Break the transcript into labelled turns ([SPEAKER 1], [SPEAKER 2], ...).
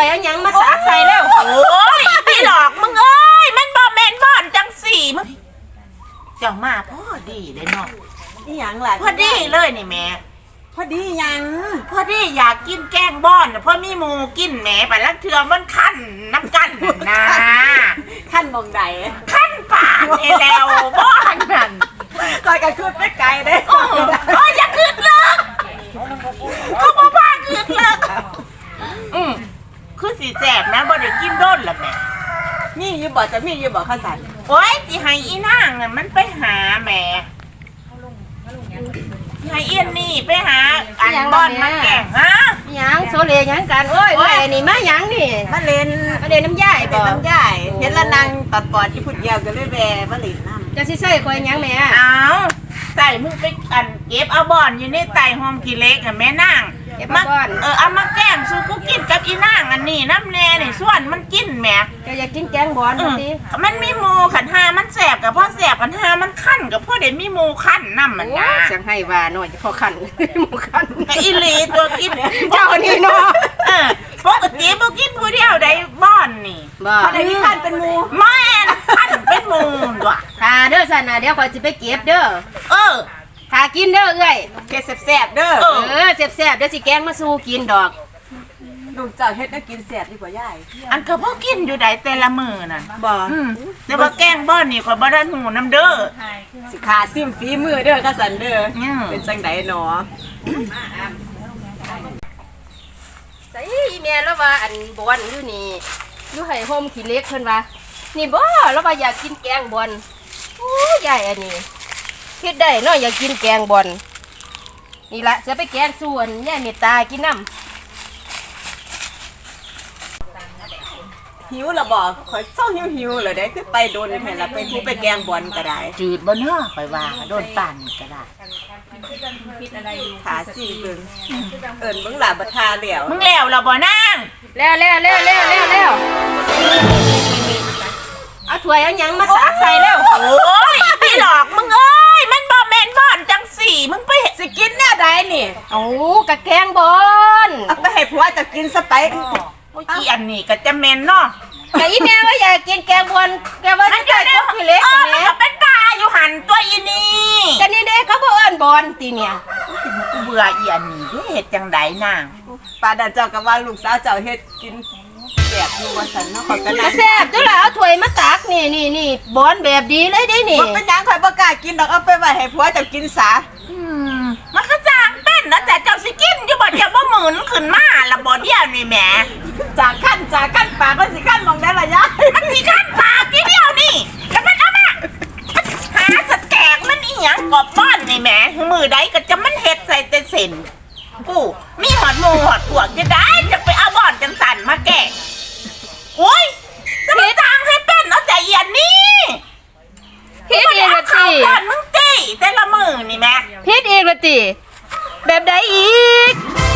[SPEAKER 1] วยเอาหยังมาตักใส่แล้ว
[SPEAKER 2] โอ้ยพี่หลอกมึงเอ้ยมันบ่แม่นบ่อนจังสี่มึงเจ้ามาพอดีเลยเนาะ
[SPEAKER 3] นี่หยังล่ะ
[SPEAKER 2] พอดีเลยนี่แม่
[SPEAKER 3] พอดีหยัง
[SPEAKER 2] พอดีอยากกินแกงบ้อนเพราะมีหมูกินแหมไปลักเทือมันคันน้ำกันนะ
[SPEAKER 3] ขั้นมองใด
[SPEAKER 2] คันปากนี่แล้วบ้อนนั่น
[SPEAKER 3] ก่อยกันขึ้นไปไกลเด้
[SPEAKER 2] โอ้ยอย่าขึ้นเลยเขาบอกว่าขึ้นเลยคือสีแสบนะบ่ได้กินโดนละแม่
[SPEAKER 3] มีอยู่บ่จะมีอยู่บ่ข้าวสัน
[SPEAKER 2] โอ้ยสิให้อีนางน่ะมันไปหาแม่ให้เอียนนี่ไปหาอันบ้อนมาแกงฮะ
[SPEAKER 1] หยังโซเลหยังกันโอ้ยแม่นี่มาหยังนี่
[SPEAKER 3] มาเล่น
[SPEAKER 1] มาเล่นน้ำยาย
[SPEAKER 3] เป็
[SPEAKER 1] บ่
[SPEAKER 3] นน้ำย่ายเห็นละนางตัดปอดที่พุ่นเดียวกันเลยแวมาเล่นน้ำ
[SPEAKER 1] จะสิใส่ข่อยหยังแม่
[SPEAKER 2] เอาใส่มึงไปอันเก็บเอาบอนอยู่ในไต่หอมกี่เล็กอะแม่นาง
[SPEAKER 1] เก็บมาก่อน
[SPEAKER 2] เอามาแกล้มสู้กูกินกับอีนางอันนี้น้ำแน่นี่ส่วนมันกินแหม่
[SPEAKER 1] ก็อยากกินแกงบอนบ่ติ
[SPEAKER 2] มันมีหมูขันหามันแสบกับพ่อแสบขันหามันขั้นกับพ่อเด็มีหมูขั้นน้ำมัน
[SPEAKER 1] โอ้
[SPEAKER 2] นะ
[SPEAKER 1] เสียงให้ว่าหน่อยพอคันหมูคัน
[SPEAKER 2] กับอีหลีตัวกิน
[SPEAKER 1] เจ้านี่เนาะ
[SPEAKER 2] ปกติบ่กินผู้เดียวได้บ้อนนี่
[SPEAKER 1] บ่
[SPEAKER 3] พอได้ที่ขั้นเป็นหมู
[SPEAKER 2] แม่นขั้นเป็นหมูด้วย
[SPEAKER 1] ถ้าเด้อสั่นน่ะเดี๋ยวข่อยสิไปเก็บเด้อ
[SPEAKER 2] เออ
[SPEAKER 1] ถ้ากินเด้อเอ้ย
[SPEAKER 3] เกศแซ่บๆเด้อ
[SPEAKER 1] แซ่บๆเดี๋ยวสิแกงมาสู่กินดอก
[SPEAKER 3] ลูกเจ้าเฮ็ดให้กินแซ่บดีกว่ายาย
[SPEAKER 2] อันก็พ่อกินอยู่ได้แต่ละมือน่ะ
[SPEAKER 3] บ่
[SPEAKER 2] แต่ว่าแกงบ้อนนี่ข่อยบ่ได้หูน้ำเด้อ
[SPEAKER 3] สิขาซิมฝีมือเด้อข้าวสันเด้อ เป็นจังไดเนาะ
[SPEAKER 1] ใส่อีแม่แล้วว่าอันบอนอยู่นี่อยู่ให้โฮมขี้เล็กเพิ่นว่านี่บ่แล้วว่าอยากกินแกงบอนโอ้ยยายอันนี้เฮ็ดได้เนาะอยากกินแกงบอนนี่ละจะไปแกงส่วนยายเมตตากินน้ำ
[SPEAKER 3] หิวละบ่ข่อยเศร้าหิวๆเลยเด้คือไปโดนแม่นละไปทูไปแกงบอลก็ได้
[SPEAKER 2] จืดบ่เนาะข่อยว่าโดนปั่นก็ได้
[SPEAKER 3] ขาซิมเบิ่งเอิ้นเบิ่งหลาบ่ทาแล้ว
[SPEAKER 2] มึงแล้วล่ะบ่นาง
[SPEAKER 1] แล้วเอาถ้วยเอาหยังมาตักใส่แล้ว
[SPEAKER 2] โอ้ยพี่หลอกมึงเอ้ยมันบ่แม่นบ่อนจังสี่มึงไป
[SPEAKER 3] สิกินแนวใดนี่
[SPEAKER 1] เอากะแกงบอน
[SPEAKER 3] เอาไปให้ผัวจะกินซะไป
[SPEAKER 2] โอ้ยอีอันนี้ก็จะแม่นเนาะ
[SPEAKER 1] แต่อีแม่ว่าอยากกินแกงบอนแกว่า
[SPEAKER 2] มัน
[SPEAKER 1] จะ
[SPEAKER 2] อยู่
[SPEAKER 1] ได้
[SPEAKER 2] ใน
[SPEAKER 1] ขี้เล็ก
[SPEAKER 2] มัน
[SPEAKER 1] แม่
[SPEAKER 2] ก็เป็นปลาอยู่หันตัวอีนี่
[SPEAKER 1] กันนี่เด้เขาบ่เอิ้นบอนติเนี่ย
[SPEAKER 2] กูเบื่ออีอันนี้เด้เฮ็ดจังไดนาง
[SPEAKER 3] ปาดาเจ้าก็ว่าลูกสาวเจ้าเฮ็ดกินแซ่บอยู่ว่าซั่นเนาะข่อยก็
[SPEAKER 1] ก
[SPEAKER 3] นั่
[SPEAKER 1] ระ
[SPEAKER 3] ง
[SPEAKER 1] แซบตัวละเอาถ้วยมาตักนี่บอนแบบดีเลยได้นี่
[SPEAKER 3] บ่เป็นหยังข่อยบ่กล้ากินดอกเอาไปไว้ให้ผัวเจ้ากินซะ
[SPEAKER 2] มันก็จางเป็นนะแต่เจ้าสิกินอยู่บ่เดี๋ยวบ่หมุนขึ้นมาละบ่เดียวนี่แหม
[SPEAKER 3] จากขั้นปากมันสิขั้นมองได้ล่ะยาย
[SPEAKER 2] มันสิขั้นปากทีเดียวนี่แล้วมันเอามาหาสแตกมันอีหยังกอบบ้านนี่แหมมือใดก็จะมันเฮ็ดใส่แต่เส้นกูมีหอดหมูหอดพวกจะได้จะไปเอาบ่อนจังสันมาแกะโอ้ยจะไปทางให้เป็นเอาใจเย็นนี่
[SPEAKER 1] พิษอีกละ
[SPEAKER 2] เข้า
[SPEAKER 1] ติ
[SPEAKER 2] ก่อนมึงตีแต่ละมือนี่แหม่
[SPEAKER 1] พิษอีกละติแบบใดอีก